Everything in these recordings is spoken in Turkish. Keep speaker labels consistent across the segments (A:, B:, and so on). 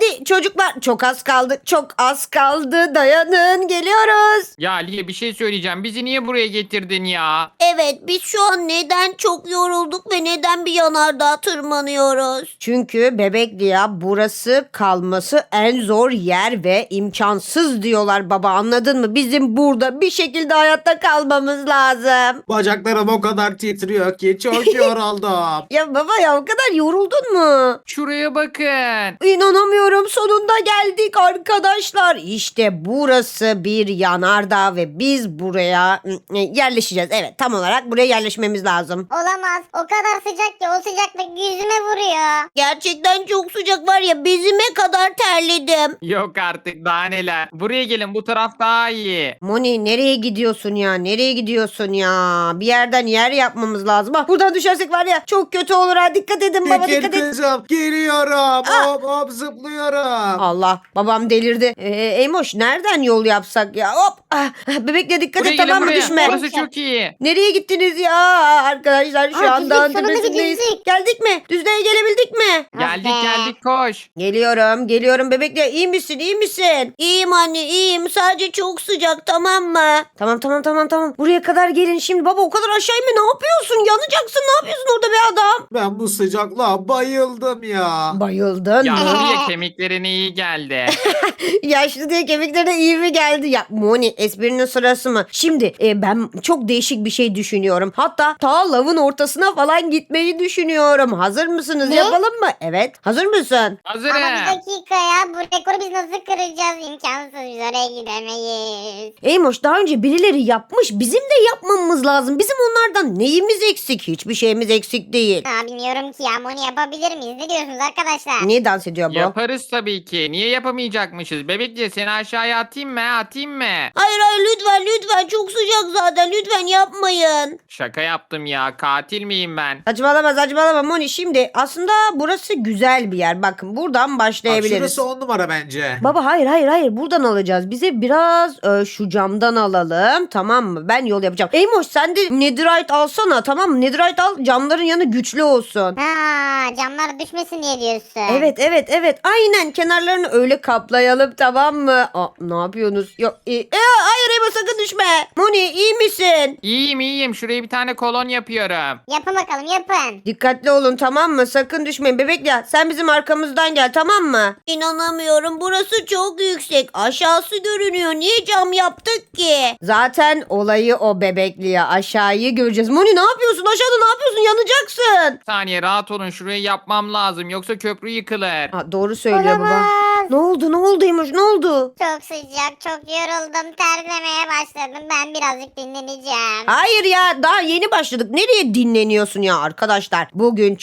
A: Hadi çocuklar, çok az kaldı. Çok az kaldı. Dayanın, geliyoruz.
B: Ya Aliye bir şey söyleyeceğim. Bizi niye buraya getirdin ya?
C: Evet, biz şu an neden çok yorulduk ve neden bir yanardağa tırmanıyoruz?
A: Çünkü Bebekli ya, burası kalması en zor yer ve imkansız diyorlar baba, anladın mı? Bizim burada bir şekilde hayatta kalmamız lazım.
D: Bacaklarım o kadar titriyor ki çok yoruldum.
A: Ya baba ya, o kadar yoruldun mu?
B: Şuraya bakın.
A: İnanamıyorum, sonunda geldik arkadaşlar. İşte burası bir yanardağ ve biz buraya yerleşeceğiz. Evet, tam olarak buraya yerleşmemiz lazım.
E: Olamaz. O kadar sıcak ki o sıcaklık yüzüme vuruyor.
C: Gerçekten çok sıcak var ya, bezime kadar terledim.
B: Yok artık daha neler. Buraya gelin, bu taraf daha iyi.
A: Moni, nereye gidiyorsun ya? Nereye gidiyorsun ya? Bir yerden yer yapmamız lazım. Bak, buradan düşersek var ya, çok kötü olur ha. Dikkat edin baba,
D: Çekil
A: dikkat et.
D: kızım. Geliyorum. Hop hop zıplıyorum.
A: Allah, babam delirdi. Eymoş, nereden yol yapsak ya? Hop. Bebekle dikkat
B: Buraya
A: et,
B: gelin
A: tamam mı,
B: buraya.
A: düşme.
B: Burası çok iyi.
A: Nereye gittiniz ya arkadaşlar? Şu
E: Aa,
A: an dağın
E: girdik, sonunda
A: tepesindeyiz.
E: girdik.
A: Geldik mi? Düzlüğe gelebildik mi?
B: Geldik
E: be.
B: geldik koş.
A: Geliyorum Bebekle. İyi misin, iyi misin?
C: İyiyim anne, iyiyim. Sadece çok sıcak, tamam mı?
A: Tamam. Buraya kadar gelin şimdi. Baba, o kadar aşağı inme, ne yapıyorsun? Yanacaksın, ne yapıyorsun orada be adam?
D: Ben bu sıcaklığa bayıldım ya.
A: Bayıldın
B: Ya
A: mı?
B: buraya kemiklerine iyi geldi.
A: Yaşlı diye kemiklerine iyi mi geldi? Ya Moni, esprinin sırası mı? Şimdi ben çok değişik bir şey düşünüyorum. Hatta ta lavın ortasına falan gitmeyi düşünüyorum. Hazır mısınız?
E: Ne?
A: Yapalım mı? Evet. Hazır mısın?
B: Hazırım.
E: Ama bir dakika ya. Bu rekoru biz nasıl kıracağız? İmkansız. Biz oraya gidemeyiz.
A: Eymoş, daha önce birileri yapmış. Bizim de yapmamız lazım. Bizim onlardan neyimiz eksik? Hiçbir şeyimiz eksik değil.
E: Ha, bilmiyorum ki ya. Moni yapabilir miyiz? Ne diyorsunuz arkadaşlar?
A: Niye dans ediyor bu?
B: Yaparız tabii ki. Niye yapamayacakmışız? Bebekçe seni aşağıya atayım mı? Atayım mı?
C: Hayır lütfen, çok sıcak zaten, lütfen yapmayın.
B: Şaka yaptım ya. Katil miyim ben?
A: Saçmalama Moni. Şimdi aslında burası güzel bir yer. Bakın, buradan
D: Bak,
A: başlayabiliriz.
D: şurası 10 numara bence.
A: Baba, hayır, buradan alacağız. Bize biraz şu camdan alalım, tamam mı? Ben yol yapacağım. Eymoş, sen de netherite alsana, tamam mı? Netherite al, camların yanı güçlü olsun.
E: Ha, camlar düşmesin diye diyorsun.
A: Evet, aynen, kenarlarını öyle kaplayalım, tamam mı? Ne yapıyorsunuz? Yok, hayır Eymoş, sakın düşme. Moni, iyi misin?
B: İyiyim. Şuraya bir tane kolon yapıyorum.
E: Yapın bakalım yapın.
A: Dikkatli olun, tamam mı? Sakın düşmeyin. Bebekle, sen bizim arkamızdan gel, tamam mı?
C: İnanamıyorum, burası çok yüksek. Aşağısı görünüyor. Niye cam yaptık ki?
A: Zaten olayı o Bebekli'ye. Aşağıyı göreceğiz. Moni, ne yapıyorsun? Aşağıda ne yapıyorsun? Yanacaksın.
B: Bir saniye rahat olun. Şurayı yapmam lazım. Yoksa köprü yıkılır.
A: Doğru söylüyor baba.
E: Olamaz.
A: Ne oldu Eymoş, ne oldu?
E: Çok sıcak, çok yoruldum. Terlemeye başladım. Ben birazcık dinleneceğim.
A: Hayır ya, daha yeni başladık. Nereye dinleniyorsun ya arkadaşlar? Bugün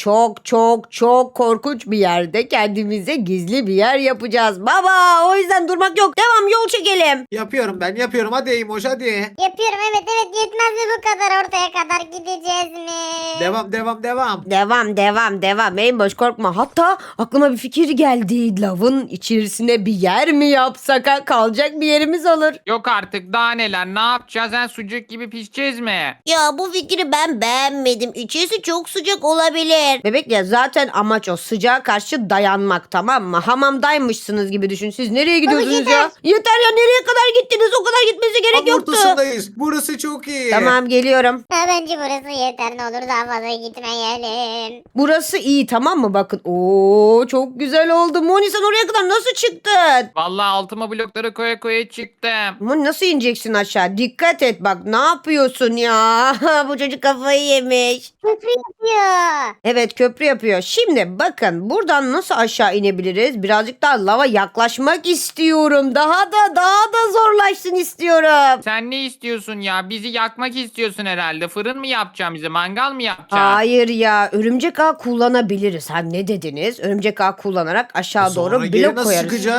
A: çok korkunç bir yerde kendimize gizli bir yer yapacağız. Baba, o yüzden durmak yok. Devam, yol çekelim.
D: Yapıyorum. Hadi Eymoş hadi.
E: Yapıyorum evet yetmez mi bu kadar ortaya kadar gideceğiz mi?
A: Devam. Eymoş, korkma. Hatta aklıma bir fikir geldi. Lavın içerisine bir yer mi yapsak, ha? Kalacak bir yerimiz olur.
B: Yok artık daha neler. Ne yapacağız? Sen sucuk gibi pişeceğiz mi?
C: Ya bu fikri ben beğenmedim. İçerisi çok sıcak olabilir.
A: Bebek ya, zaten amaç o, sıcağa karşı dayanmak, tamam mı? Hamamdaymışsınız gibi düşün. Siz nereye gidiyorsunuz
E: yeter.
A: ya? Yeter ya, nereye kadar gittiniz? O kadar gitmesi gerek
D: Tam
A: yoktu.
D: ortasındayız. Burası çok iyi.
A: Tamam, geliyorum.
E: Ha, bence burası yeter ne olur daha fazla gitmeyelim.
A: Burası iyi, tamam mı? Bakın. Oo, çok güzel oldu. Moni, sen oraya kadar nasıl çıktın?
B: Vallahi altıma blokları koya çıktım.
A: Moni, nasıl ineceksin aşağı? Dikkat et bak, ne yapıyorsun ya? Bu çocuk kafayı yemiş.
E: Köprü yapıyor.
A: Evet, köprü yapıyor. Şimdi bakın, buradan nasıl aşağı inebiliriz? Birazcık daha lava yaklaşmak istiyorum. Daha da zorlaşsın istiyorum.
B: Sen ne istiyorsun ya? Bizi yakmak istiyorsun herhalde. Fırın mı yapacağım bize? Mangal mı yapacaksın?
A: Hayır ya, örümcek ağ kullanabiliriz. Ha, ne dediniz? Örümcek ağ kullanarak aşağı doğru
D: Sonra geri
A: blok
D: nasıl
A: koyarız.
D: çıkacağız?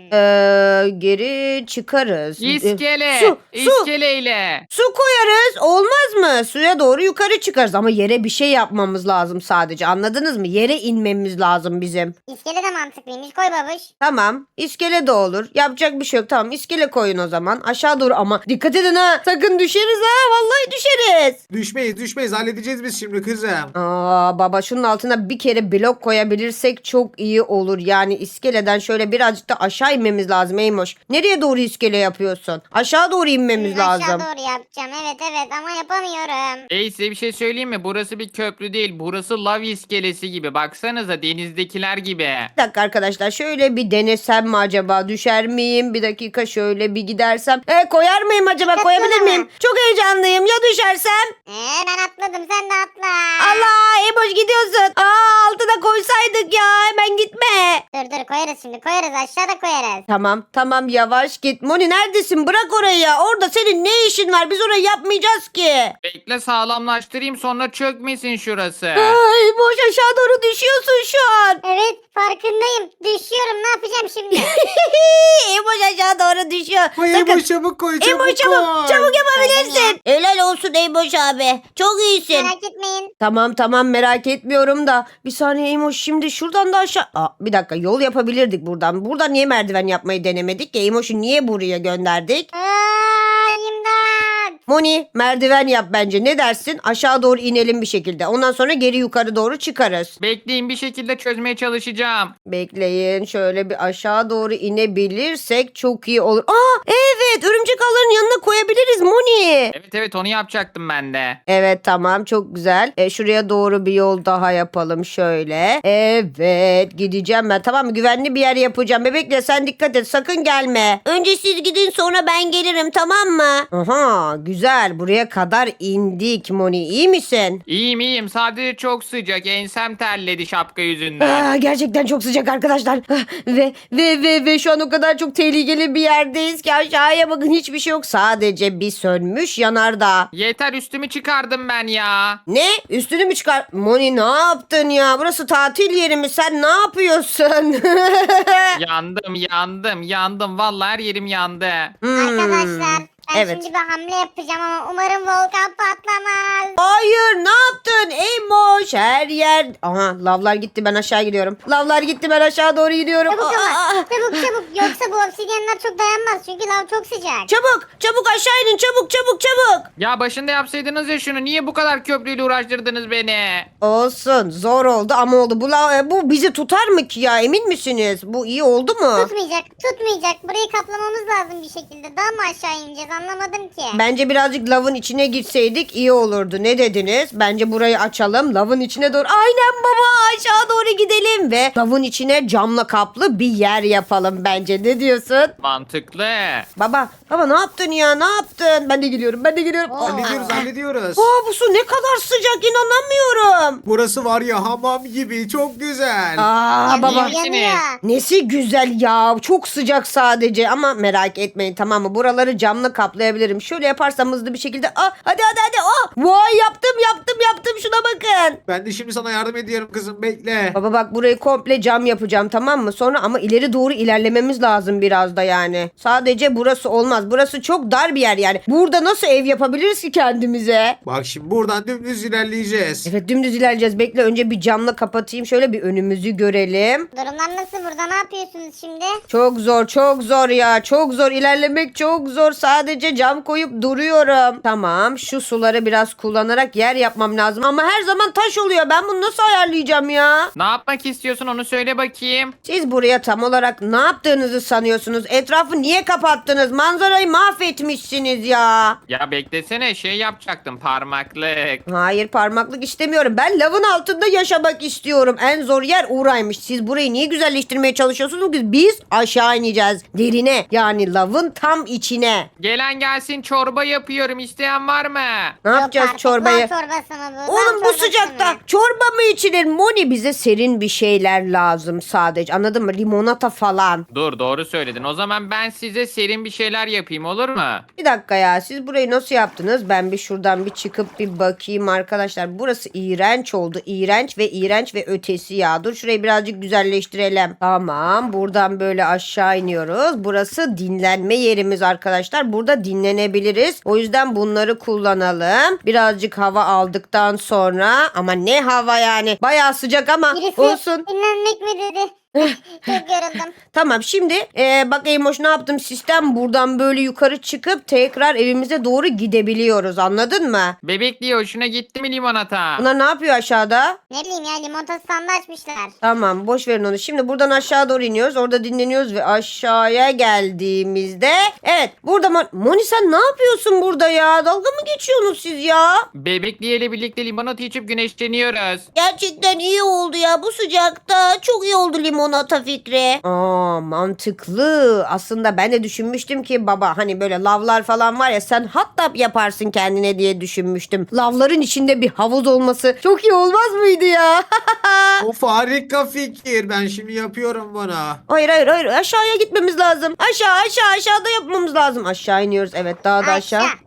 A: Geri çıkarız.
B: İskele.
A: Su.
B: İskeleyle.
A: Su koyarız. Olmaz mı? Suya doğru yukarı çıkarız. Ama yere bir şey yapmamız lazım sadece. Anladınız mı? Yere inmemiz lazım bizim.
E: İskele de mantıklıymış. Koy babuş.
A: Tamam. İskele de olur. Yapacak bir şey yok. Tamam, iskele koyun o zaman. Aşağı doğru ama dikkat edin ha. Sakın düşeriz ha. Vallahi düşeriz.
D: Düşmeyiz halledeceğiz biz şimdi kızım.
A: Aa baba, şunun altına bir kere blok koyabilirsek çok iyi olur. Yani iskeleden şöyle birazcık da aşağı inmemiz lazım Eymoş. Nereye doğru iskele yapıyorsun? Aşağı doğru inmemiz lazım.
E: Aşağı doğru yapacağım. Evet ama yapamıyorum.
B: Size bir şey söyleyeyim mi? Burası bir köprü değil. Burası lav iskelesi gibi. Baksanıza denizdekiler gibi.
A: Bir dakika arkadaşlar, şöyle bir denesem mi acaba? Düşer miyim? Bir dakika şöyle bir gidersem. Koyar mıyım acaba?
E: Atla.
A: Koyabilir miyim? Çok heyecanlıyım. Ya düşersem?
E: Ben atladım, sen de atla.
A: Allah, Eymoş gidiyorsun. Altına koysaydık ya. Hemen gitme.
E: Dur koyarız şimdi, koyarız, aşağıda koyarız.
A: Tamam yavaş git. Moni neredesin? Bırak orayı ya. Orada senin ne işin var? Biz orayı yapmayacağız ki.
B: Bekle sağlamlaştırayım sonra çökmesin şurası.
A: Ay boş, aşağı doğru düşüyorsun şu an.
E: Evet, farkındayım. Düşüyorum, ne yapacağım şimdi?
A: Eymoş aşağı doğru düşüyor.
D: Koy
A: Sakın.
D: Eymoş, çabuk koy çabuk
A: Eymoş
D: koy.
A: çabuk yapabilirsin. Helal olsun Eymoş abi. Çok iyisin.
E: Merak etmeyin.
A: Tamam merak etmiyorum da. Bir saniye Eymoş, şimdi şuradan da aşağı. Bir dakika, yol yapabilirdik buradan. Buradan niye merdiven yapmayı denemedik ki? Eymoş'u niye buraya gönderdik?
E: İmdat.
A: Moni merdiven yap bence. Ne dersin? Aşağı doğru inelim bir şekilde. Ondan sonra geri yukarı doğru çıkarız.
B: Bekleyin bir şekilde çözmeye çalışacağım.
A: Bekleyin. Şöyle bir aşağı doğru inebilirsek çok iyi olur. Evet, örümcek ağlarının yanına koyabiliriz Moni.
B: Evet onu yapacaktım ben de.
A: Evet tamam, çok güzel. Şuraya doğru bir yol daha yapalım şöyle. Evet, gideceğim ben. Tamam mı? Güvenli bir yer yapacağım. Bebekle sen dikkat et, sakın gelme.
C: Önce siz gidin, sonra ben gelirim, tamam mı?
A: Aha, güzel, buraya kadar indik Moni. İyi misin?
B: İyiyim sadece çok sıcak ensem terledi şapka yüzünden.
A: Gerçekten çok sıcak arkadaşlar. Ve şu an o kadar çok tehlikeli bir yerdeyiz ki aşağıya bakın, hiçbir şey yok. Sadece bir sönmüş yanardağ.
B: Yeter üstümü çıkardım ben ya.
A: Ne? Üstünü mü çıkar? Moni ne yaptın ya? Burası tatil yeri mi? Sen ne yapıyorsun?
B: yandım vallahi her yerim yandı.
E: Arkadaşlar, ben
A: evet.
E: şimdi bir hamle yapacağım ama umarım volkan patlamaz.
A: Hayır, ne yaptın? Eymoş, her yer. Aha, lavlar gitti, ben aşağı gidiyorum. Lavlar gitti, ben aşağı doğru gidiyorum.
E: Çabuk ama, çabuk. Yoksa bu obsidyenler çok dayanmaz çünkü lav çok sıcak.
A: Çabuk aşağı inin, çabuk.
B: Ya başında yapsaydınız ya şunu niye bu kadar köprüyle uğraştırdınız beni?
A: Olsun, zor oldu ama oldu. Bu bizi tutar mı ki ya, emin misiniz? Bu iyi oldu mu?
E: Tutmayacak. Burayı kaplamamız lazım bir şekilde. Daha mı aşağı ineceğiz, anlamadım ki.
A: Bence birazcık lavın içine gitseydik iyi olurdu. Ne dediniz? Bence burayı açalım. Lavın içine doğru. Aynen baba, aşağı doğru gidelim ve lavın içine camla kaplı bir yer yapalım bence. Ne diyorsun?
B: Mantıklı.
A: Baba ne yaptın ya? Ne yaptın? Ben de geliyorum.
D: Hallediyoruz.
A: Bu su ne kadar sıcak, inanamıyorum.
D: Burası var ya, hamam gibi, çok güzel.
A: Baba.
B: misiniz?
A: Nesi güzel ya. Çok sıcak sadece ama merak etmeyin, tamam mı? Buraları camla kaplayabilirim. Şöyle yaparsam hızlı bir şekilde. Hadi. Vay, yaptım. Şuna bakın.
D: Ben de şimdi sana yardım ediyorum kızım, bekle.
A: Baba bak, burayı komple cam yapacağım, tamam mı? Sonra ama ileri doğru ilerlememiz lazım biraz da yani. Sadece burası olmaz. Burası çok dar bir yer yani. Burada nasıl ev yapabiliriz ki kendimize?
D: Bak şimdi buradan dümdüz ilerleyeceğiz.
A: Evet, dümdüz ilerleyeceğiz. Bekle, önce bir camla kapatayım. Şöyle bir önümüzü görelim.
E: Durumlar nasıl burada, ne yapıyorsunuz şimdi?
A: Çok zor ya. Çok zor. İlerlemek çok zor. Sadece cam koyup duruyorum. Tamam. Şu suları biraz kullanarak yer yapmam lazım. Ama her zaman taş oluyor. Ben bunu nasıl ayarlayacağım ya?
B: Ne yapmak istiyorsun onu söyle bakayım.
A: Siz buraya tam olarak ne yaptığınızı sanıyorsunuz? Etrafı niye kapattınız? Manzarayı mahvetmişsiniz ya.
B: Ya beklesene şey yapacaktım parmaklık.
A: Hayır, parmaklık istemiyorum. Ben lavın altında yaşamak istiyorum. En zor yer oraymış. Siz burayı niye güzelleştirmeye çalışıyorsunuz ki? Biz aşağı ineceğiz. Derine, yani lavın tam içine.
B: Gelen isteyen gelsin, çorba yapıyorum. İsteyen var mı?
A: Ne yapacağız
E: artık,
A: çorbayı?
E: Lan çorbası mı bu?
A: Oğlum
E: Lan
A: bu
E: çorbası
A: sıcakta
E: mı?
A: çorba mı içilir? Moni bize serin bir şeyler lazım sadece. Anladın mı? Limonata falan.
B: Dur, doğru söyledin. O zaman ben size serin bir şeyler yapayım, olur mu?
A: Bir dakika ya, siz burayı nasıl yaptınız? Ben bir şuradan bir çıkıp bir bakayım arkadaşlar. Burası iğrenç oldu. İğrenç ve ötesi ya. Dur şurayı birazcık güzelleştirelim. Tamam, buradan böyle aşağı iniyoruz. Burası dinlenme yerimiz arkadaşlar. Burada dinlenebiliriz. O yüzden bunları kullanalım. Birazcık hava aldıktan sonra, ama ne hava yani. Bayağı sıcak ama
E: Birisi
A: olsun.
E: dinlenmek mi dedi? Çok yoruldum.
A: Tamam, şimdi bak Eymoş, ne yaptım? Sistem buradan böyle yukarı çıkıp tekrar evimize doğru gidebiliyoruz. Anladın mı?
B: Bebekliğe hoşuna gitti mi limonata?
A: Bunlar ne yapıyor aşağıda?
E: Ne bileyim ya, limonata standı açmışlar.
A: Tamam, boş verin onu. Şimdi buradan aşağı doğru iniyoruz. Orada dinleniyoruz ve aşağıya geldiğimizde, evet, burada Moni sen ne yapıyorsun burada ya? Dalga mı geçiyorsunuz siz ya?
B: Bebekliğe ile birlikte limonata içip güneşleniyoruz.
C: Gerçekten iyi oldu ya bu sıcakta. Çok iyi oldu limonata fikri.
A: Aa, mantıklı. Aslında ben de düşünmüştüm ki baba, hani böyle lavlar falan var ya, sen hatta yaparsın kendine diye düşünmüştüm. Lavların içinde bir havuz olması çok iyi olmaz mıydı ya?
D: Of, harika fikir. Ben şimdi yapıyorum bunu.
A: Hayır, aşağıya gitmemiz lazım. Aşağıda yapmamız lazım. Aşağı iniyoruz, evet, daha da aşağı.
E: Aşağı.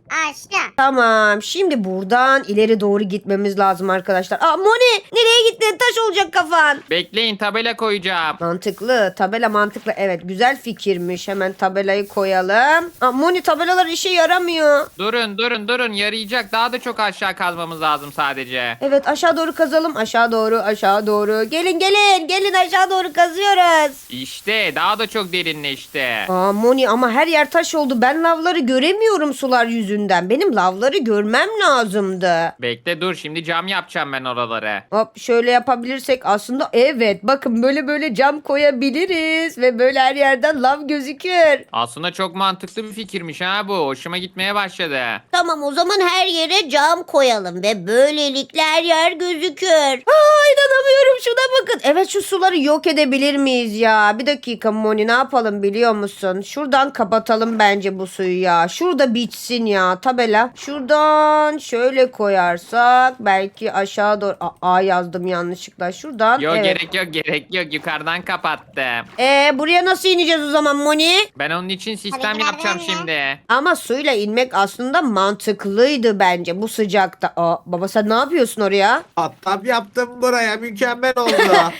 A: Tamam, şimdi buradan ileri doğru gitmemiz lazım arkadaşlar. Aa, Moni nereye gittin? Taş olacak kafan.
B: Bekleyin, tabela koyacağım.
A: Mantıklı, tabela mantıklı. Evet, güzel fikirmiş. Hemen tabelayı koyalım. Aa, Moni, tabelalar işe yaramıyor.
B: Durun, yarayacak. Daha da çok aşağı kazmamız lazım sadece.
A: Evet, aşağı doğru kazalım. Aşağı doğru. Gelin aşağı doğru kazıyoruz.
B: İşte daha da çok derinleşti.
A: Aa, Moni, ama her yer taş oldu. Ben lavları göremiyorum sular yüzünden. Benim lavları görmem lazımdı.
B: Bekle, dur, şimdi cam yapacağım ben oraları.
A: Hop, şöyle yapabilirsek aslında, evet, bakın böyle cam koyabiliriz ve böyle her yerden lav gözükür.
B: Aslında çok mantıklı bir fikirmiş ha bu. Hoşuma gitmeye başladı.
C: Tamam, o zaman her yere cam koyalım ve böylelikle her yer gözükür.
A: Aa, inanamıyorum, şuna bakın. Evet, şu suları yok edebilir miyiz ya? Bir dakika Moni, ne yapalım biliyor musun? Şuradan kapatalım bence bu suyu ya. Şurada bitsin ya tabela. Şuradan şöyle koyarsak belki aşağı doğru. A yazdım yanlışlıkla. Şuradan.
B: Yok,
A: evet.
B: gerek yok. Yukarıdan kapattım.
A: Buraya nasıl ineceğiz o zaman Moni?
B: Ben onun için sistem
E: Hadi
B: yapacağım
E: gidelim
B: şimdi.
A: Ama suyla inmek aslında mantıklıydı bence bu sıcakta. Aa, baba sen ne yapıyorsun oraya?
D: Hatta yaptım buraya. Mükemmel oldu.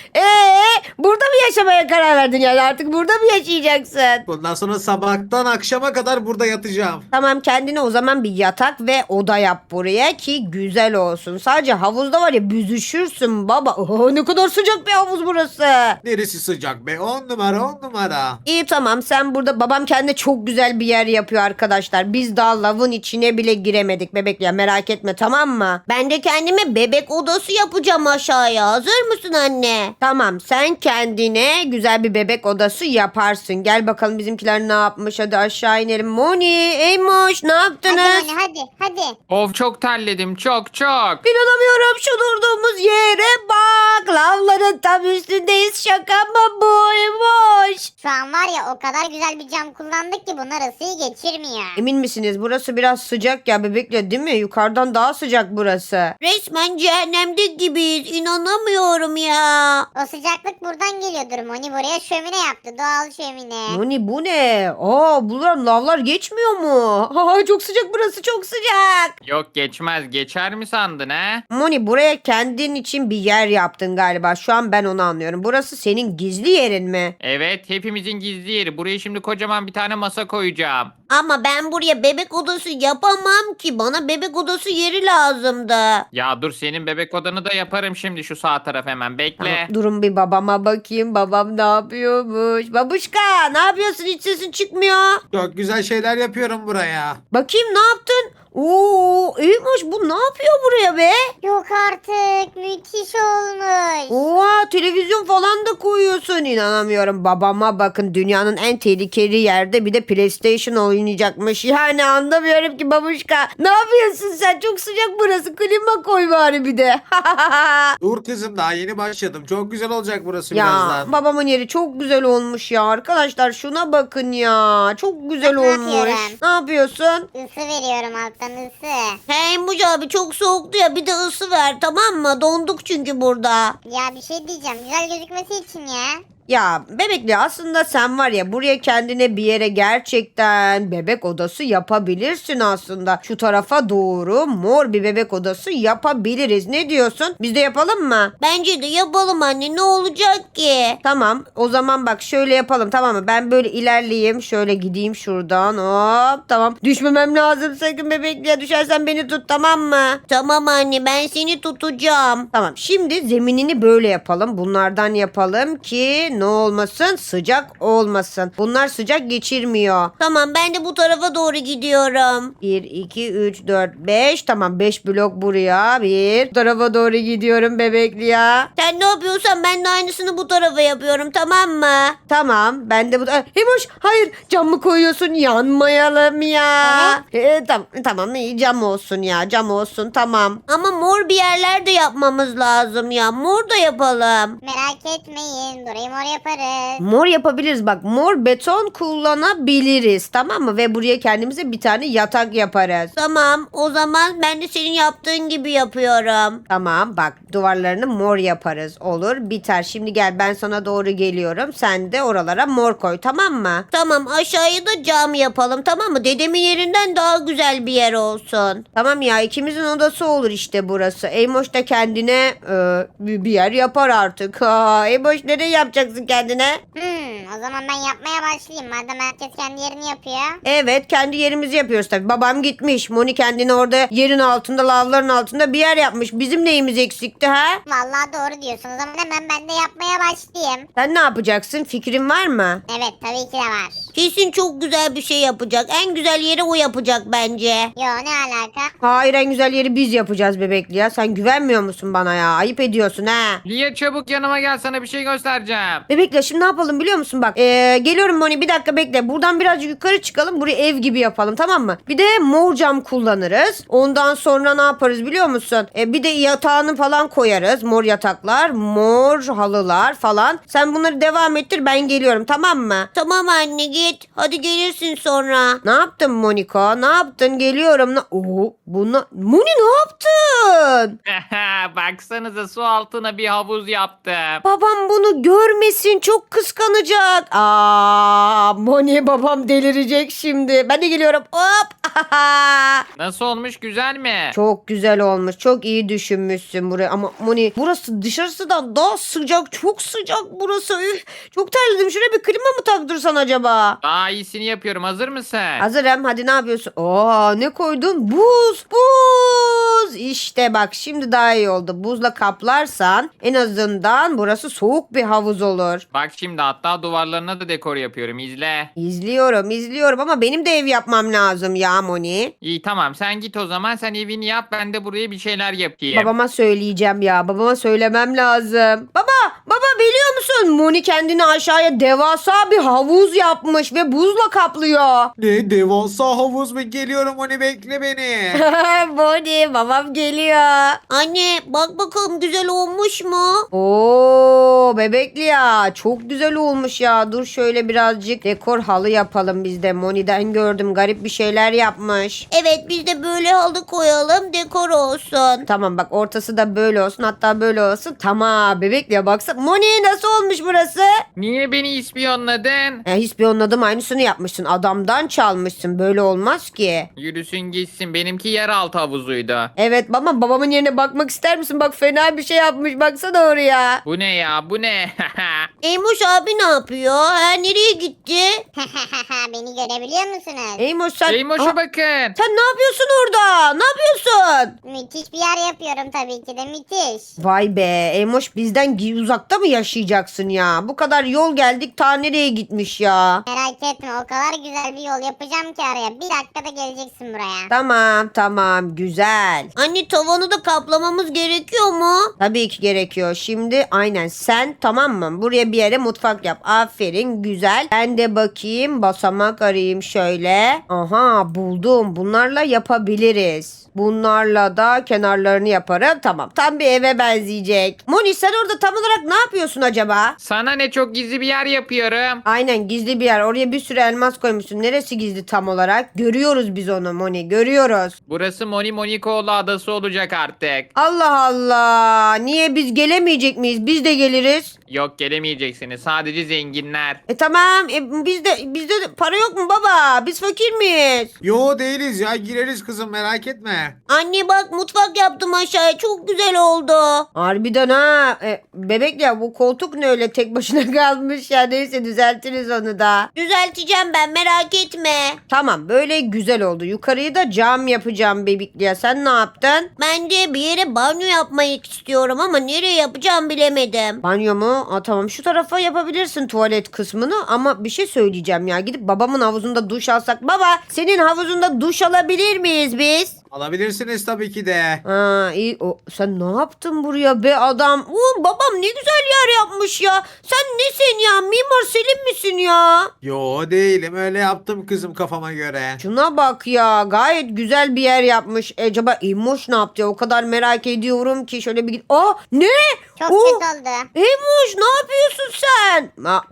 A: Burada mı yaşamaya karar verdin yani? Artık burada mı yaşayacaksın?
D: Bundan sonra sabahtan akşama kadar burada yatacağım.
A: Tamam, kendine o zaman bir yatak ve oda yap buraya ki güzel olsun. Sadece havuzda var ya, büzüşürsün baba. Oho, ne kadar sıcak bir havuz burası.
D: Neresi sıcak be? 10 numara 10 numara.
A: İyi, tamam, sen burada, babam kendine çok güzel bir yer yapıyor arkadaşlar. Biz daha lavın içine bile giremedik bebek ya, merak etme, tamam mı?
C: Ben de kendime bebek odası yapacağım aşağıya. Hazır mısın anne?
A: Tamam, sen kendine güzel bir bebek odası yaparsın. Gel bakalım bizimkiler ne yapmış, hadi aşağı inelim. Moni, Eymoş, ne yaptınız?
E: Hadi.
B: Of, çok terledim, çok.
A: İnanamıyorum, şu durduğumuz yere bak. Lavların tam üstündeyiz, şaka mı bu Eymoş?
E: Şu an var ya, o kadar güzel bir cam kullandık ki bunlar ısıyı geçirmiyor.
A: Emin misiniz? Burası biraz sıcak ya bebekle, değil mi? Yukarıdan daha sıcak burası.
C: Resmen cehennemde gibiyiz. İnanamıyorum ya.
E: O sıcaklık buradan geliyordur. Moni buraya şömine yaptı. Doğal şömine.
A: Moni, bu ne? Aa, buradan lavlar geçmiyor mu? Aa, çok sıcak burası, çok sıcak.
B: Yok, geçmez. Geçer mi sandın ha?
A: Moni, buraya kendin için bir yer yaptın galiba. Şu an ben onu anlıyorum. Burası senin gizli yerin mi?
B: Evet, hepimizin gizli yeri. Buraya şimdi kocaman bir tane masa koyacağım.
C: Ama ben buraya bebek odası yapamam ki. Bana bebek odası yeri lazımdı.
B: Ya dur, senin bebek odanı da yaparım şimdi, şu sağ taraf hemen. Bekle.
A: Tamam, durun bir babama bakayım. Babam ne yapıyormuş? Babuşka, ne yapıyorsun? Hiç sesin çıkmıyor.
D: Çok güzel şeyler yapıyorum buraya.
A: Bakayım, ne yaptın? Oo, Eymoş bu ne yapıyor buraya be?
E: Yok artık. Müthiş olmuş.
A: Oha, televizyon falan da koyuyorsun. İnanamıyorum. Babama bakın, dünyanın en tehlikeli yerde bir de PlayStation oynayacakmış. Yani anlamıyorum ki babuşka. Ne yapıyorsun sen? Çok sıcak burası. Klima koy bari bir de.
D: Dur kızım, daha yeni başladım. Çok güzel olacak burası
A: Ya
D: birazdan.
A: babamın yeri çok güzel olmuş ya. Arkadaşlar şuna bakın ya. Çok güzel
E: Bak, ne
A: olmuş.
E: yapıyorum?
A: Ne yapıyorsun?
E: Isı veriyorum alttan ısı.
C: Hey Mucu abi çok soğuktu ya, bir de ısı ver tamam mı? Donduk çünkü burada.
E: Ya bir şey diyeceğim. Güzel gözükmesi için ya.
A: Ya bebekli, aslında sen var ya, buraya kendine bir yere gerçekten bebek odası yapabilirsin aslında. Şu tarafa doğru mor bir bebek odası yapabiliriz. Ne diyorsun? Biz de yapalım mı?
C: Bence de yapalım anne, ne olacak ki?
A: Tamam, o zaman bak şöyle yapalım, tamam mı? Ben böyle ilerleyeyim, şöyle gideyim şuradan, hop, tamam. Düşmemem lazım sakın bebekliye, düşersen beni tut, tamam mı?
C: Tamam anne, ben seni tutacağım.
A: Tamam, şimdi zeminini böyle yapalım, bunlardan yapalım ki ne olmasın, sıcak olmasın. Bunlar sıcak geçirmiyor.
C: Tamam, ben de bu tarafa doğru gidiyorum.
A: 1, 2, 3, 4, 5. Tamam, 5 blok buraya. Bu tarafa doğru gidiyorum bebekli ya.
C: Sen ne yapıyorsan ben de aynısını bu tarafa yapıyorum, tamam mı?
A: Tamam, ben de bu... Hemoş, hayır, cam mı koyuyorsun? Yanmayalım ya. Tamam, iyi, cam olsun ya, cam olsun, tamam.
C: Ama mor bir yerlerde yapmamız lazım ya. Mor da yapalım.
E: Merak etmeyin. Burayı mor yaparız.
A: Mor yapabiliriz, bak, mor beton kullanabiliriz, tamam mı? Ve buraya kendimize bir tane yatak yaparız.
C: Tamam, o zaman ben de senin yaptığın gibi yapıyorum.
A: Tamam, bak, duvarlarını mor yaparız, olur, biter. Şimdi gel, ben sana doğru geliyorum, sen de oralara mor koy, tamam mı?
C: Tamam, aşağıya da cam yapalım, tamam mı? Dedemin yerinden daha güzel bir yer olsun.
A: Tamam ya, ikimizin odası olur işte burası. Eymoş da kendine bir yer yapar artık. Ha, Eymoş, nereye yapacaksın kendine?
E: O zaman ben yapmaya başlayayım. Madem herkes kendi yerini yapıyor.
A: Evet, kendi yerimizi yapıyoruz tabii. Babam gitmiş. Moni kendine orada yerin altında, lavların altında bir yer yapmış. Bizim neyimiz eksikti ha?
E: Vallahi doğru diyorsun. O zaman hemen ben de yapmaya başlayayım.
A: Sen ne yapacaksın? Fikrin var mı?
E: Evet tabii ki de var.
C: Kesin çok güzel bir şey yapacak. En güzel yeri o yapacak bence.
E: Yo ne alaka?
A: Hayır, en güzel yeri biz yapacağız bebekli ya. Sen güvenmiyor musun bana ya? Ayıp ediyorsun ha.
B: Lia çabuk yanıma gel, sana bir şey göstereceğim.
A: Bebekle, şimdi ne yapalım biliyor musun? Bak, geliyorum Moni, bir dakika bekle. Buradan birazcık yukarı çıkalım. Burayı ev gibi yapalım, tamam mı? Bir de mor cam kullanırız. Ondan sonra ne yaparız biliyor musun? Bir de yatağını falan koyarız. Mor yataklar, mor halılar falan. Sen bunları devam ettir, ben geliyorum, tamam mı?
C: Tamam anne, git. Hadi gelirsin sonra.
A: Ne yaptın Moniko? Ne yaptın? Geliyorum. Oo, Moni, ne yaptın?
B: Baksanıza, su altına bir havuz yaptım.
A: Babam bunu görmesin, çok kıskanacak. Moni, babam delirecek şimdi. Ben de geliyorum. Hop.
B: Nasıl olmuş, güzel mi?
A: Çok güzel olmuş. Çok iyi düşünmüşsün burayı. Ama Moni, burası dışarısından daha sıcak. Çok sıcak burası. Üf, çok terledim. Şuraya bir klima mı taktırsan acaba?
B: Daha iyisini yapıyorum, hazır mısın?
A: Hazırım. Hadi, ne yapıyorsun? Ne koydun? Buz. Buz. İşte bak, şimdi daha iyi oldu. Buzla kaplarsan en azından burası soğuk bir havuz olur.
B: Bak şimdi, hatta duvarlarına da dekor yapıyorum, izle.
A: İzliyorum ama benim de ev yapmam lazım ya Moni.
B: İyi tamam, sen git o zaman, sen evini yap, ben de buraya bir şeyler yapayım.
A: Babama söyleyeceğim ya. Babama söylemem lazım. Baba, biliyor musun? Moni kendine aşağıya devasa bir havuz yapmış ve buzla kaplıyor.
D: Ne devasa havuz mu? Geliyorum, onu bekle beni.
A: Moni, babam geliyor.
C: Anne bak bakalım, güzel olmuş mu?
A: Oo, bebekli ya. Çok güzel olmuş ya. Dur, şöyle birazcık dekor halı yapalım biz de. Moni'den gördüm, garip bir şeyler yapmış.
C: Evet, biz de böyle halı koyalım, dekor olsun.
A: Tamam, bak, ortası da böyle olsun, hatta böyle olsun. Tamam bebekli ya, baksana. Moni, nasıl olmuş burası?
B: Niye beni ispiyonladın?
A: İspiyonladım, aynısını yapmışsın. Adamdan çalmışsın. Böyle olmaz ki.
B: Yürüsün gitsin, benimki yeraltı havuzuydu.
A: Evet baba, babamın yerine bakmak ister misin? Bak fena bir şey yapmış, baksana oraya.
B: Bu ne ya bu ne?
C: Eymoş abi ne yapıyor? Ha, nereye gitti?
E: Beni görebiliyor musunuz?
A: Eymoş sen...
B: Eymoş'a
A: Aa,
B: bakın.
A: sen ne yapıyorsun orada? Ne yapıyorsun?
E: Müthiş bir yer yapıyorum tabii ki de müthiş.
A: Vay be Eymoş, bizden uzakta mı yaşayacaksın ya? Bu kadar yol geldik, ta nereye gitmiş ya?
E: Merak etme o kadar güzel bir yol yapacağım ki araya. Bir dakikada geleceksin buraya.
A: Tamam tamam, güzel.
C: Anne tavanı da kaplamamız gerekiyor mu?
A: Tabii ki gerekiyor. Şimdi aynen sen, tamam mı? Buraya bir yere mutfak yap. Aferin, güzel. Ben de bakayım, basamak arayayım şöyle. Aha, buldum. Bunlarla yapabiliriz. Bunlarla da kenarlarını yaparım. Tamam. Tam bir eve benzeyecek. Moni sen orada tam olarak ne yapıyorsun acaba?
B: Sana ne, çok gizli bir yer yapıyorum.
A: Aynen, gizli bir yer. Oraya bir sürü elmas koymuşsun. Neresi gizli tam olarak? Görüyoruz biz onu Moni. Görüyoruz.
B: Burası Moni Monikoğlu adası olacak artık.
A: Allah Allah. Niye biz gelemeyecek miyiz? Biz de geliriz.
B: Yok, gelemeyeceksiniz. Sadece zenginler.
A: Tamam. Bizde de para yok mu baba? Biz fakir miyiz?
D: Yo değiliz ya, gireriz kızım, merak etme.
C: Anne bak mutfak yaptım aşağıya. Çok güzel oldu.
A: Harbiden ha. Bebek ya, bu koltuk ne öyle tek başına kalmış ya. Neyse, düzeltiriz onu da.
C: Düzelteceğim ben merak etme.
A: Tamam, böyle güzel oldu. Yukarıyı da cam yapacağım bebekli ya. Sen ne yaptın?
C: Ben de bir yere banyo yapmayı istiyorum ama nereye yapacağım bilemedim.
A: Banyo mu? Tamam, şu tarafa yapabilirsin tuvalet kısmını, ama bir şey söyleyeceğim ya. Gidip babamın havuzunda duş alsak. Baba, senin havuzunda duş alabilir miyiz biz?
D: Alabilirsiniz tabii ki de.
A: Ha iyi. Sen ne yaptın buraya be adam? Babam ne güzel yer yapmış ya. Sen nesin ya? Mimar Selim misin ya?
D: Yo değilim, öyle yaptım kızım kafama göre.
A: Şuna bak ya. Gayet güzel bir yer yapmış. Acaba İmmoş ne yaptı ya? O kadar merak ediyorum ki. Şöyle bir git. Ne?
E: Çok
A: Oo,
E: kötü oldu.
A: İmmoş ne yapıyorsun sen?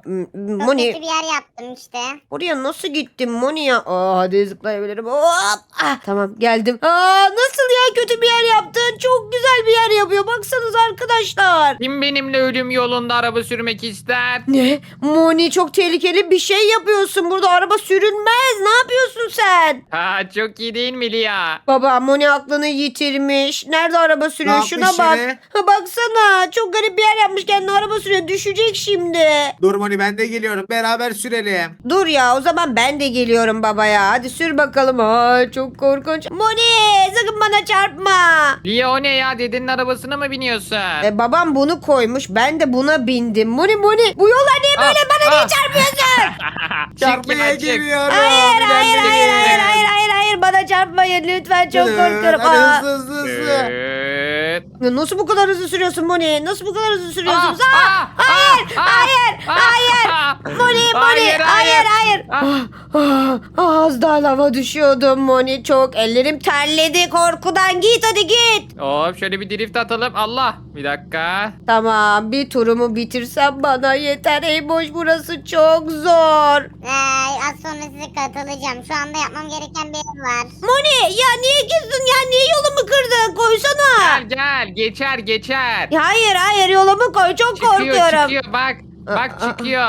E: Çok
A: Moni,
E: kötü bir yer yaptım işte.
A: oraya nasıl gittin Moni ya? Hadi zıplayabilirim. Hop. Tamam, geldim. Nasıl ya, kötü bir yer yaptın? Çok güzel bir yer yapıyor. Baksanıza arkadaşlar.
B: Kim benimle ölüm yolunda araba sürmek ister?
A: Ne? Moni, çok tehlikeli bir şey yapıyorsun. Burada araba sürülmez. Ne yapıyorsun sen?
B: Ha, çok iyi değil mi Lia?
A: Baba, Moni aklını yitirmiş. Nerede araba sürüyor?
D: Ne
A: Şuna
D: yapmış
A: bak.
D: yine?
A: Ha, baksana. Çok garip bir yer yapmış. Kendine araba sürüyor. Düşecek şimdi.
D: Dur Moni, ben de geliyorum, beraber sürelim.
A: Dur ya, o zaman ben de geliyorum babaya. Hadi sür bakalım. Çok korkunç. Moni, sakın bana çarpma.
B: Lia, o ne ya? Dedenin arabasına mı biniyorsun?
A: Babam bunu koymuş. Ben de buna bindim. Moni, bu yollar niye böyle? Bana niye çarpıyorsun?
B: Çık
D: Çarpmaya
B: ya, çık.
D: geliyorum.
A: Hayır, hayır,
D: İlerleyin.
A: hayır, hayır, hayır, hayır, hayır. Bana çarpmayın lütfen. Çok korkuyorum.
D: Hadi
A: Aa.
D: hızlı hızlı hızlı.
B: Evet.
A: Ya nasıl bu kadar hızlı sürüyorsun Moni? Nasıl bu kadar hızlı sürüyorsunuz?
B: Aa,
A: Hayır,
B: aa,
A: hayır,
B: aa,
A: hayır.
B: aa.
A: Moni,
B: Hayır,
A: hayır.
B: hayır.
A: Az daha lava düşüyordum Moni. Çok ellerim terledi korkudan. Git hadi git.
B: Hop, şöyle bir drift atalım. Allah. Bir dakika.
A: Tamam, bir turumu bitirsem bana yeter. Ey boş, burası çok zor.
E: Az sonra size katılacağım. Şu anda yapmam gereken bir ev var.
A: Moni ya, niye girdin ya? Niye yolumu kırdın? Koysana.
B: Gel geçer.
A: Ya hayır, yolumu koy. Çok korkuyorum.
B: Çıkıyor bak. Bak çıkıyor.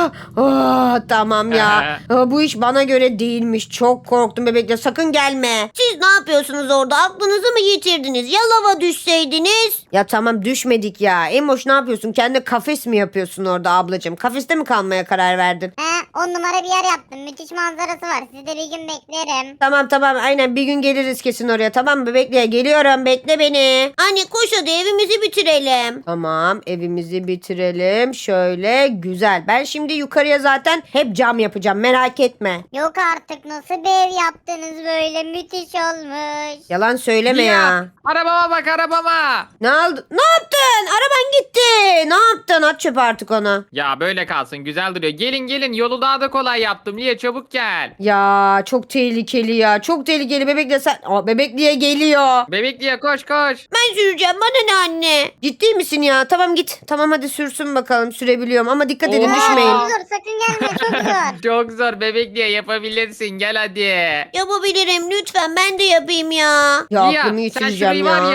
A: Tamam ya. Bu iş bana göre değilmiş. Çok korktum bebekle. Sakın gelme.
C: Siz ne yapıyorsunuz orada? Aklınızı mı yitirdiniz? Ya lava düşseydiniz?
A: Ya tamam, düşmedik ya. Emoş, ne yapıyorsun? Kendi kafes mi yapıyorsun orada ablacığım? Kafeste mi kalmaya karar verdin?
E: 10 numara bir yer yaptım. Müthiş manzarası var. Sizi de bir gün beklerim.
A: Tamam, aynen, bir gün geliriz kesin oraya. Tamam mı bebekle? Geliyorum, bekle beni.
C: Anne koş hadi evimizi bitirelim.
A: Tamam, evimizi bitirelim. Şöyle güzel. Ben şimdi yukarıya zaten hep cam yapacağım. Merak etme.
E: Yok artık nasıl bir ev yaptınız böyle müthiş olmuş.
A: Yalan söyleme
B: Lia,
A: ya.
B: arabama bak, arabama.
A: Ne oldu? Ne yaptın? Araban gitti. Ne yaptın? At çöpe artık onu.
B: Ya böyle kalsın, güzel duruyor. Gelin, yolu daha da kolay yaptım. Lia, çabuk gel.
A: Ya çok tehlikeli ya. Çok tehlikeli. Bebekle sen... Bebekliye geliyor.
B: Bebek Lia, koş.
C: Ben süreceğim bana ne anne?
A: Ciddi misin ya? Tamam git. Tamam hadi sürsün bakalım. Sürebiliyorum ama dikkat edin,
B: Oha.
A: düşmeyin.
E: Çok zor sakın gelme çok zor.
B: Çok zor bebek Lia, yapabilirsin. Gel hadi.
C: Yapabilirim lütfen ben de yapayım ya.
A: Ya
B: Lia,
A: aklımı
B: sen
A: yitireceğim
B: şurayı
A: ya.
B: var ya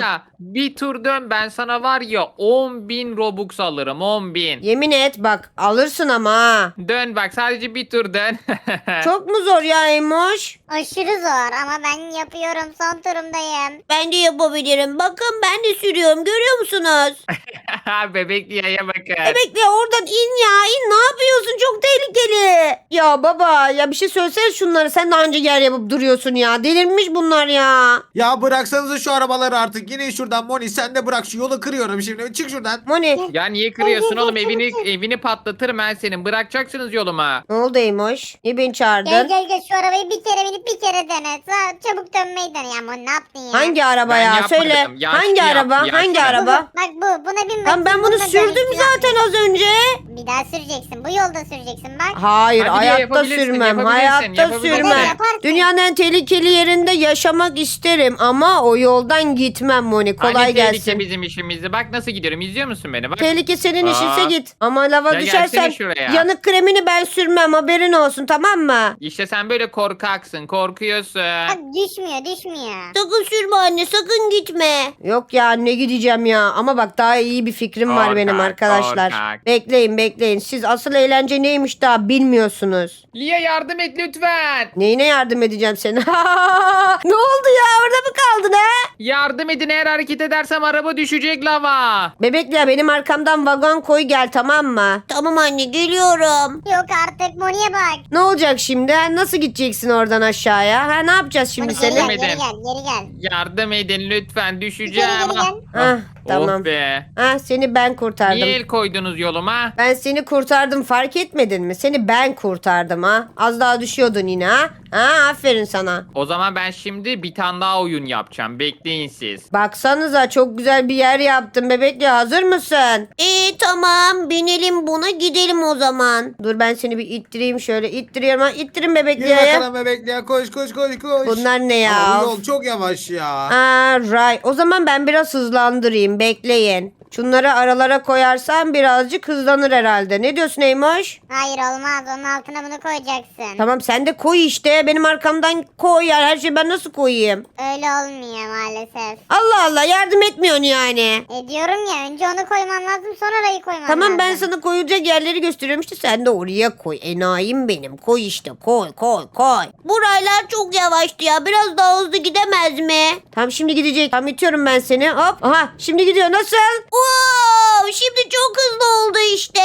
B: Bir tur dön, ben sana var ya 10.000 Robux alırım, 10.000.
A: Yemin et bak alırsın ama ha.
B: Dön bak, sadece bir tur dön.
A: Çok mu zor ya Emoş?
E: Aşırı zor ama ben yapıyorum. Son turumdayım.
C: Ben de yapabilirim. Bakın ben de sürüyorum. Görüyor musunuz?
B: Bebekliğe bakın.
A: Bekle oradan in ya in ne yapıyorsun çok tehlikeli. Ya baba ya bir şey söylesene şunları sen daha önce yer yapıp duruyorsun ya delirmiş bunlar ya.
D: Ya bıraksanıza şu arabaları artık. Yine şuradan Moni, sen de bırak, şu yolu kırıyorum şimdi. Çık şuradan.
A: Moni
B: Ya niye kırıyorsun oğlum, evini patlatırım ben senin. Bırakacaksınız yoluma.
A: ne oldu Emoş? Niye beni çağırdın?
E: Gel şu arabayı bir kere binip bir kere dene. Çabuk dönmeyi dene ya. Aman ne yaptın ya?
A: Hangi araba
B: Ben
A: ya
B: yapmadım,
A: söyle.
B: yaşlı
A: Hangi
B: yap,
A: araba?
B: yaşlı.
A: Hangi
E: Bu,
A: araba?
E: bak buna bin
A: Lan ben bunu
E: bununla
A: sürdüm
E: dönüştür
A: zaten
E: abi.
A: az önce.
E: Bir daha süreceksin. Bu yolda süreceksin bak.
A: Hayır
B: Hadi
A: hayatta
B: yapabilirsin,
A: sürmem.
B: yapabilirsin,
A: Hayatta
B: yapabilirsin.
A: sürmem.
E: Yaparsın.
A: Dünyanın en tehlikeli yerinde yaşamak isterim ama o yoldan gitmem Moni. Kolay
B: Hani tehlike
A: gelsin.
B: bizim işimizde. Bak nasıl gidiyorum, izliyor musun beni? Bak.
A: Tehlike senin
B: Aa.
A: işinse git. Ama lava
B: Ya
A: düşersen
B: gelsene şuraya.
A: yanık kremini ben sürmem haberin olsun tamam mı?
B: İşte sen böyle korkaksın, korkuyorsun.
E: Bak düşmüyor.
C: Sakın sürme anne. Sakın gitme.
A: Yok ya ne gideceğim ya ama bak daha iyi bir fikrim var benim
B: Korkak,
A: arkadaşlar.
B: korkak.
A: Bekleyin siz asıl eğlence neymiş daha bilmiyorsunuz.
B: Lia yardım et lütfen.
A: Neyine yardım edeceğim sana? Ne oldu ya orada mı kaldın ha?
B: Yardım edin, eğer hareket edersem araba düşecek lava.
A: Bebekli ya benim arkamdan vagon koy gel tamam mı?
C: Tamam anne geliyorum.
E: Yok artık Moni'ye bak.
A: Ne olacak şimdi? Ha? Nasıl gideceksin oradan aşağıya? Ha ne yapacağız şimdi
E: Moni geri
A: seni?
E: gel,
B: Edin.
E: geri gel.
B: Yardım edin lütfen,
E: Geri
B: düşeceğim.
E: gel.
A: Ah, tamam.
B: Oh be.
A: Ha seni ben kurtardım.
B: Niye el koydunuz yoluma?
A: Ben seni kurtardım fark etmedin mi? Seni ben kurtardım ha. Az daha düşüyordun yine ha. Ha aferin sana.
B: O zaman ben şimdi bir tane daha oyun yapacağım. Bekleyin siz.
A: Baksanıza çok güzel bir yer yaptım bebekle hazır mısın?
C: Tamam binelim buna gidelim o zaman.
A: Dur ben seni bir ittireyim şöyle ittiriyorum ha. İttirin bebekle
D: Yürü
A: ya.
D: bakalım bebekli ya, koş.
A: Bunlar ne ya?
D: Aa, bu yol çok yavaş ya.
A: Aa, right. O zaman ben biraz hızlandırayım bekleyin. Şunları aralara koyarsam birazcık hızlanır herhalde. Ne diyorsun Eymoş?
E: Hayır olmaz. Onun altına bunu koyacaksın.
A: Tamam sen de koy işte. Benim arkamdan koy yani. Her şeyi ben nasıl koyayım?
E: Öyle olmuyor maalesef.
A: Allah Allah yardım etmiyorsun yani.
E: Diyorum ya, önce onu koyman lazım, sonra orayı koyman lazım.
A: Tamam ben sana koyulacak yerleri gösteriyorum işte sen de oraya koy. Enayim benim. Koy işte koy.
C: Buraylar çok yavaştı ya. Biraz daha hızlı gidemez mi?
A: Tamam şimdi gidecek. Tamam itiyorum ben seni. Hop. Aha şimdi gidiyor. Nasıl?
C: Wow, şimdi çok hızlı oldu işte.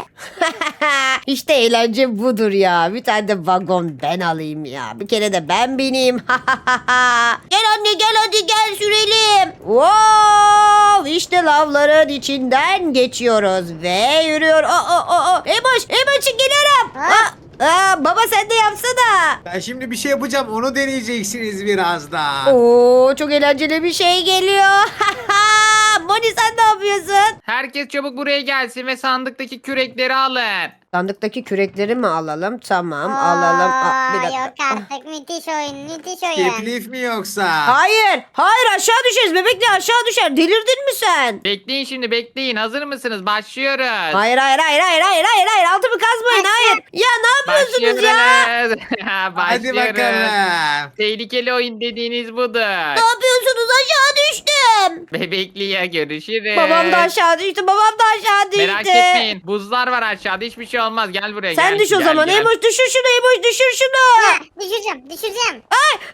A: İşte eğlence budur ya. Bir tane de vagon ben alayım ya. Bir kere de ben bineyim.
C: Gel anne gel hadi gel sürelim.
A: Wow! İşte lavların içinden geçiyoruz ve yürüyor. Emoş geliyorum.
E: Ha?
A: Baba sen de yapsana.
D: Ben şimdi bir şey yapacağım, onu deneyeceksiniz birazdan.
A: Oo çok eğlenceli bir şey geliyor. Moni sen ne yapıyorsun?
B: Herkes çabuk buraya gelsin ve sandıktaki kürekleri alın.
A: Sandıktaki kürekleri mi alalım? Tamam alalım. Bir dakika.
E: Yok artık, müthiş oyun.
D: Teklif mi yoksa?
A: Hayır aşağı düşeriz bebekle aşağı düşer. Delirdin mi sen?
B: Bekleyin şimdi, bekleyin. Hazır mısınız? Başlıyoruz.
A: Hayır. Altımı kazmayın hayır. Ya ne yapıyorsunuz ya?
B: Başlıyoruz.
D: Hadi
B: Başlıyoruz.
D: bakalım.
B: Tehlikeli oyun dediğiniz budur.
C: Ne yapıyorsunuz aşağı düştüm.
B: Bebekliye görüşürüz.
A: Babam da aşağı düştü.
B: Merak etmeyin. Buzlar var aşağıda. Hiçbir şey olmaz. Gel buraya.
A: Sen
B: gel,
A: düş o
B: gel,
A: zaman.
B: gel.
A: Emoş düşür şunu.
E: Düşüreceğim.
B: Düştüm.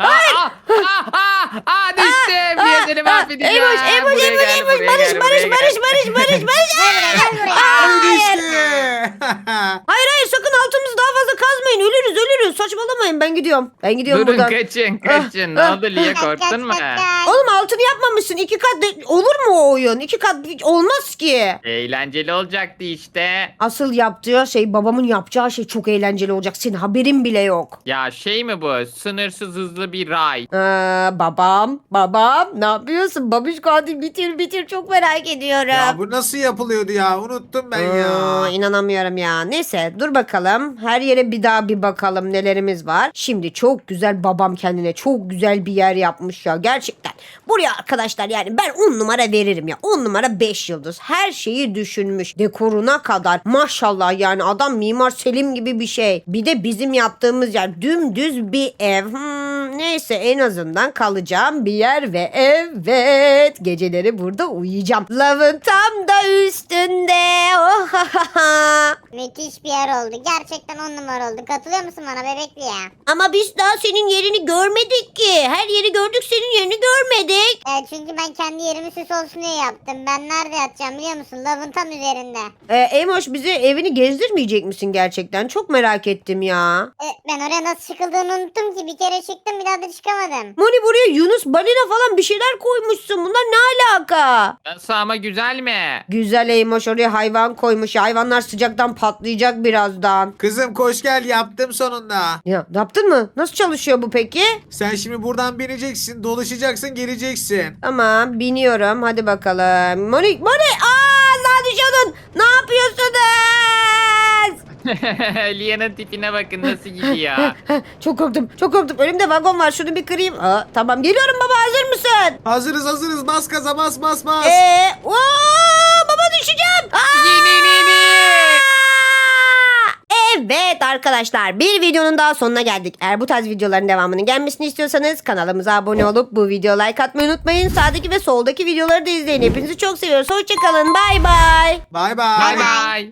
B: Bir seni mahvedeceğim.
A: Emoş.
B: Buraya gel, buraya gel, buraya gel.
A: Barış.
E: Gel buraya.
D: Ay düştü.
A: Hayır sakın altımızı daha fazla kazmayın. Ölürüz. Saçmalamayın ben gidiyorum.
B: Durun
A: buradan.
B: kaçın. Ne oldu Lia, korktun mu?
A: Oğlum altını yapmamışsın. 2 kat olur mu o oyun? 2 kat olmaz ki.
B: Eğlenceli olacaktı işte.
A: Asıl yaptığı şey babamın yapacağı şey çok eğlenceli olacak. Senin haberin bile yok.
B: Ya şey mi bu? Sınırsız hızlı bir ray.
A: Babam ne yapıyorsun? Babişko hadi bitir çok merak ediyorum.
D: Ya bu nasıl yapılıyordu ya? Unuttum ben ya.
A: İnanamıyorum ya. Neyse dur bakalım. Her yere bir daha bir bakalım nelerimiz var. Şimdi çok güzel babam kendine çok güzel bir yer yapmış ya. Gerçekten. Buraya arkadaşlar yani ben 10 numara veririm ya. 10 numara 5 yıldız. Her şeyi düşünmüş. Dekoruna kadar. Maşallah yani adam Mimar Selim gibi bir şey. Bir de bizim yaptığımız yer dümdüz bir ev. Neyse en azından kalacağım bir yer ve evet geceleri burada uyuyacağım. Lavın tam da üstünde. Oh,
E: Müthiş bir yer oldu. Gerçekten 10 numara oldu. Katılıyor musun bana bebekli ya?
C: Ama biz daha senin yerini görmedik ki. Her yeri gördük, senin yerini görmedik.
E: Çünkü ben kendi yerimi süs olsun diye yaptım. Ben nerede yatacağım biliyor musun? Lavın tam üzerinde.
A: Emoş bize evini gezdirmeyecek misin gerçekten? Çok merak ettim ya.
E: Ben oraya nasıl çıkıldığını unuttum ki. Bir kere çıktım bir daha da çıkamadım.
A: Moni buraya Yunus balina falan bir şeyler koymuşsun. Bunlar ne alaka?
B: Nasıl ama güzel mi?
A: Güzel Eymoş oraya hayvan koymuş. Hayvanlar sıcaktan patlayacak birazdan.
D: Kızım koş gel yaptım sonunda.
A: Ya yaptın mı? Nasıl çalışıyor bu peki?
D: Sen şimdi buradan bineceksin, dolaşacaksın, geleceksin.
A: Tamam biniyorum. Hadi bakalım. Moni. Aa düşüyordun. Ne yapıyorsunuz?
B: Lia'nın tipine bakın nasıl gidiyor.
A: Çok korktum. Çok korktum. Önümde vagon var. Şunu bir kırayım. Tamam geliyorum baba. Hazır mısın?
D: Hazırız. Bas gaza bas.
A: Baba düşeceğim. Evet arkadaşlar bir videonun daha sonuna geldik. Eğer bu tarz videoların devamının gelmesini istiyorsanız kanalımıza abone olup bu videoya like atmayı unutmayın. Sağdaki ve soldaki videoları da izleyin. Hepinizi çok seviyoruz. Hoşçakalın. Bay bay.
D: Bay
B: Bay
D: bay.
B: bay.